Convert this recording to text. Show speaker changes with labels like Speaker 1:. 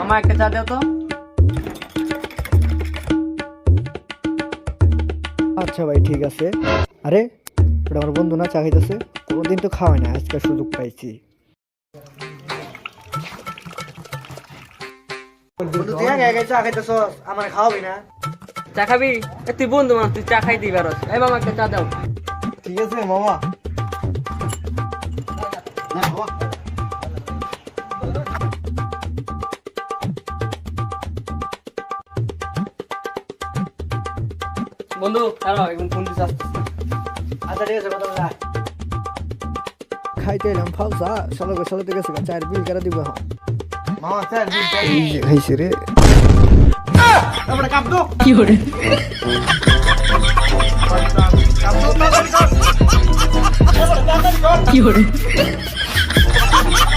Speaker 1: মামা একটা চা দাও তো।
Speaker 2: আচ্ছা ভাই ঠিক আছে। আরে ওটা আমার বন্ধু না, চা খাইতেছে। কোনোদিন তো খাওয়াই না, আজকে সুযোগ পাইছি। বন্ধু তুই আগে আগে চা খাইতেছস, আমার খাওয়াবি না?
Speaker 1: চা খাবি? তুই বন্ধু মানুষ, তুই চা খাইতেই পারস। এই মামা একটা চা দাও।
Speaker 2: ঠিক আছে মামা।
Speaker 1: বন্ধু দাঁড়াও, এখন ফোন দিতে আসতেছি।
Speaker 2: আচ্ছা ঠিক আছে, কথা বলা। খাইতে এলাম ফালসা, সালাতে গেছে, চার বিল কেরা দিব এখন? মামা চার বিল খাইছে রে। আমরা কাপ দো
Speaker 1: কি করে?
Speaker 2: কাপ দো
Speaker 1: কি করে?